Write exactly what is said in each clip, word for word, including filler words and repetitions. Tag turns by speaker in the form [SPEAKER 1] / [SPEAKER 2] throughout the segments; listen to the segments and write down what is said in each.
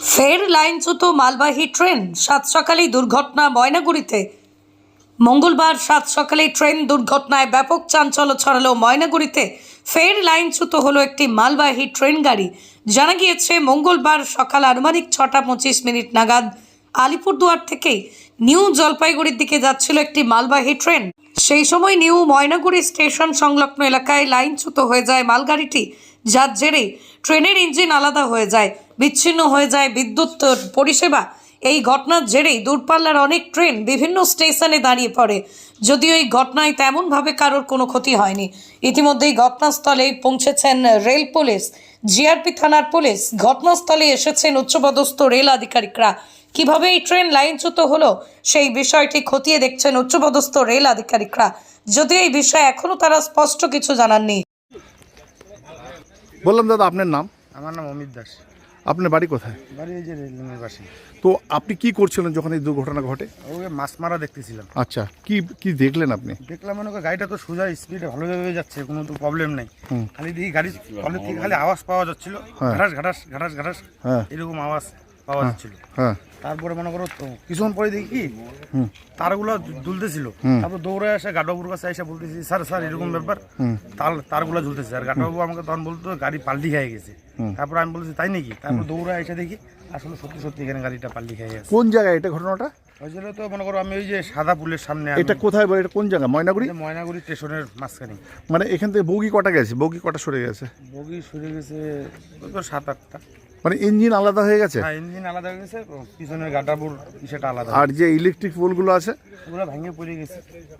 [SPEAKER 1] ফের লাইনচ্যুত মালবাহী ট্রেন, সাত সকালেই দুর্ঘটনা ময়নাগুড়িতে। মঙ্গলবার সাত সকালেই ট্রেন দুর্ঘটনায় ব্যাপক চাঞ্চল্য ছড়ালো ময়নাগুড়িতে। ফের লাইনচ্যুত হলো একটি মালবাহী ট্রেন গাড়ি। জানা গিয়েছে মঙ্গলবার সকাল আনুমানিক ছটা পঁচিশ মিনিট নাগাদ আলিপুরদুয়ার থেকে নিউ জলপাইগুড়ির দিকে যাচ্ছিল একটি মালবাহী ট্রেন। সেই সময় নিউ ময়নাগুড়ি স্টেশন সংলগ্ন এলাকায় লাইনচ্যুত হয়ে যায় মালগাড়িটি, যার জেরে ট্রেনের ইঞ্জিন আলাদা হয়ে যায়, বিচ্ছিন্ন হয়ে যায় বিদ্যুৎ পরিষেবা। এই ঘটনার জেরেই দূরপাল্লার অনেক ট্রেন বিভিন্ন স্টেশনে দাঁড়িয়ে পড়ে। যদিও এই ঘটনায় তেমনভাবে কারোর কোনো ক্ষতি হয়নি। ইতিমধ্যেই ঘটনাস্থলে পৌঁছেছেন রেল পুলিশ, জিআরপি থানার পুলিশ। ঘটনাস্থলে এসেছেন উচ্চপদস্থ রেল আধিকারিকরা। কিভাবে এই ট্রেন লাইনচ্যুত হলো সেই বিষয়টি খতিয়ে দেখছেন উচ্চপদস্থ রেল আধিকারিকরা। যদিও এই বিষয়ে এখনো তারা স্পষ্ট কিছু জানাননি।
[SPEAKER 2] বললাম দাদা, আপনার নাম?
[SPEAKER 3] আমার নাম অমিত দাস।
[SPEAKER 2] আপনার বাড়ি কোথায়?
[SPEAKER 3] বাড়ি এই যে রেললাইনের পাশে।
[SPEAKER 2] তো আপনি কি করছিলেন যখন এই দুর্ঘটনা ঘটে?
[SPEAKER 3] ওকে মাছ মারা দেখতেছিলাম।
[SPEAKER 2] আচ্ছা, কি কি দেখলেন আপনি?
[SPEAKER 3] দেখলাম মনে করি গাড়িটা তো সোজা স্পিডে ভালোভাবে যাচ্ছে, কোনো তো প্রবলেম নেই।
[SPEAKER 2] হুম।
[SPEAKER 3] খালি দেখি গাড়ি কলের থেকে খালি আওয়াজ পাওয়া যাচ্ছিল,
[SPEAKER 2] হ্যাঁ।
[SPEAKER 3] ঘাটাস ঘাটাস ঘাটাস ঘাটাস
[SPEAKER 2] হ্যাঁ
[SPEAKER 3] এরকম আওয়াজ পাওয়া যাচ্ছিল।
[SPEAKER 2] হ্যাঁ
[SPEAKER 3] তারপরে মনে করো তো কিছুক্ষণ পরে দেখি কি
[SPEAKER 2] হুম
[SPEAKER 3] তারগুলো ঝুলতেছিল।
[SPEAKER 2] হুম।
[SPEAKER 3] তারপর দৌড়ে আসে গাডবাবুর কাছে এসে বলতেছি, স্যার স্যার এরকম ব্যাপার,
[SPEAKER 2] হুম
[SPEAKER 3] তার তারগুলো ঝুলতেছে। আর গাডবাবু আমাকে তখন বলতো গাড়ি পাল্টি খেয়ে গেছে।
[SPEAKER 2] হুম।
[SPEAKER 3] তারপর আমি বলছি তাই নাকি? তারপর দৌড়ে এসে দেখি আসলে সত্যি সত্যি এখানে গাড়িটা পাল্টি খেয়ে গেছে।
[SPEAKER 2] কোন জায়গায় এটা ঘটনাটা?
[SPEAKER 3] ওই জন্য তো মনে করো আমি ওই যে সাদা পুলের সামনে, আমি
[SPEAKER 2] এটা কোথায় বলে? এটা কোন জায়গা? ময়নাগুড়ি?
[SPEAKER 3] এই যে ময়নাগুড়ি স্টেশনের মাঝখানে।
[SPEAKER 2] মানে এখান থেকে বগি কটা গেছে? বগি কটা সরে গেছে?
[SPEAKER 3] বগি সরে গেছে ওই তো সাত আটটা।
[SPEAKER 2] মানে ইঞ্জিন আলাদা হয়ে গেছে?
[SPEAKER 3] হ্যাঁ, ইঞ্জিন আলাদা হয়ে গেছে, পিছনের গাডাবুর সেটা আলাদা।
[SPEAKER 2] আর যে ইলেকট্রিক পোলগুলো আছে
[SPEAKER 3] ওগুলো ভেঙে পড়ে গেছে।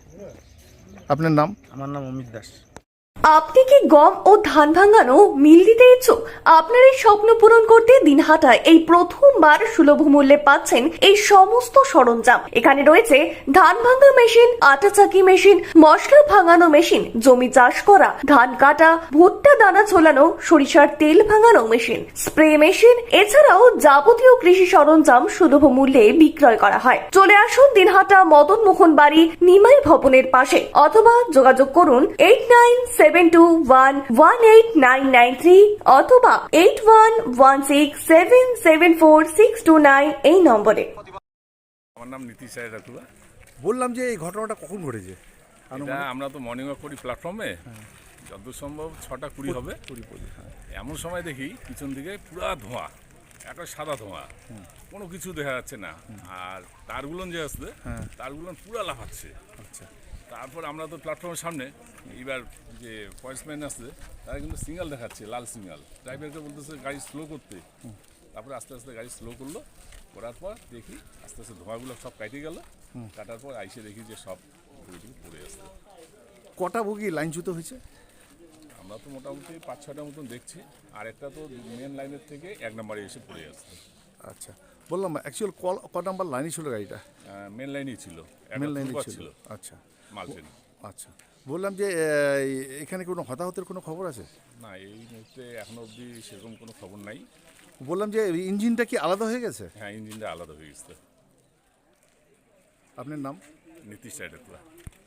[SPEAKER 2] আপনার নাম?
[SPEAKER 3] আমার নাম অমিত দাস।
[SPEAKER 4] আপনি কি গম ও ধান ভাঙানো মিল দিতে ইচ্ছুক? আপনার এই স্বপ্ন পূরণ করতে দিনহাটায় এই প্রথমবার সুলভ মূল্যে পাচ্ছেন এই সমস্ত সরঞ্জাম। এখানে রয়েছে ধান ভাঙা মেশিন, আটা চাকি মেশিন, মশলা ভাঙানো মেশিন, জমি চাষ করা, ধান কাটা, ভুট্টা দানা ছোলানো, সরিষার তেল ভাঙানো মেশিন, স্প্রে মেশিন, এছাড়াও যাবতীয় কৃষি সরঞ্জাম সুলভ মূল্যে বিক্রয় করা হয়। চলে আসুন দিনহাটা মদন মোহন বাড়ি নিমাই ভবনের পাশে, অথবা যোগাযোগ করুন eight nine seven two one one eight nine nine three অথবা eight one one six seven seven four six two nine এই নম্বরে।
[SPEAKER 5] আমার নাম নীতিশ রায়রাতুলা।
[SPEAKER 2] বললাম যে এই ঘটনাটা কখন ঘটেছে?
[SPEAKER 5] এটা আমরা তো মর্নিং ওয়াক করি প্ল্যাটফর্মে, যতদূর সম্ভব ছটা কুড়ি হবে।
[SPEAKER 2] কুড়ি কুড়ি হ্যাঁ।
[SPEAKER 5] এমন সময় দেখি পিছন দিকে পুরা ধোঁয়া, একটা সাদা ধোঁয়া, কোনো কিছু দেখা যাচ্ছে না। আর তারগুলো যে আসছে
[SPEAKER 2] হ্যাঁ।
[SPEAKER 5] তারগুলো পুরা লাফাচ্ছে।
[SPEAKER 2] আচ্ছা,
[SPEAKER 5] তারপর আমরা তো প্ল্যাটফর্মের সামনে, এইবার যে পয়েন্টসম্যান আসছে তারা কিন্তু সিগন্যাল দেখাচ্ছে, লাল সিগন্যাল। ড্রাইভারকে বলতেছে গাড়ি স্লো করতে। তারপরে আস্তে আস্তে গাড়ি স্লো করলো, করার পর দেখি আস্তে আস্তে ধোঁয়াগুলো সব কাটে গেল। কাটার পর আইসে দেখি যে সব বইগুলো পড়ে আসছে।
[SPEAKER 2] কটা বগি লাইনচ্যুত হয়েছে?
[SPEAKER 5] আমরা তো মোটামুটি পাঁচ ছটার মতন দেখছি, আর একটা তো মেন লাইনের থেকে এক নম্বরে এসে পড়ে আসছে।
[SPEAKER 2] আচ্ছা, বললাম অ্যাকচুয়াল কল ক নাম্বার লাইনই ছিল গাড়িটা?
[SPEAKER 5] মেন লাইনই ছিল,
[SPEAKER 2] মেন লাইনই
[SPEAKER 5] ছিল
[SPEAKER 2] ছিল। আচ্ছা
[SPEAKER 5] মাল ট্রেন।
[SPEAKER 2] আচ্ছা, বললাম যে এখানে কোনো হতাহতের কোনো খবর আছে?
[SPEAKER 5] না, এই মুহূর্তে এখনো অবধি সেরকম কোনো খবর নাই।
[SPEAKER 2] বললাম যে ইঞ্জিনটা কি আলাদা হয়ে গেছে?
[SPEAKER 5] হ্যাঁ, ইঞ্জিনটা আলাদা হয়ে গেছে।
[SPEAKER 2] আপনার নাম?
[SPEAKER 5] নীতিশ রায়রাতুলা।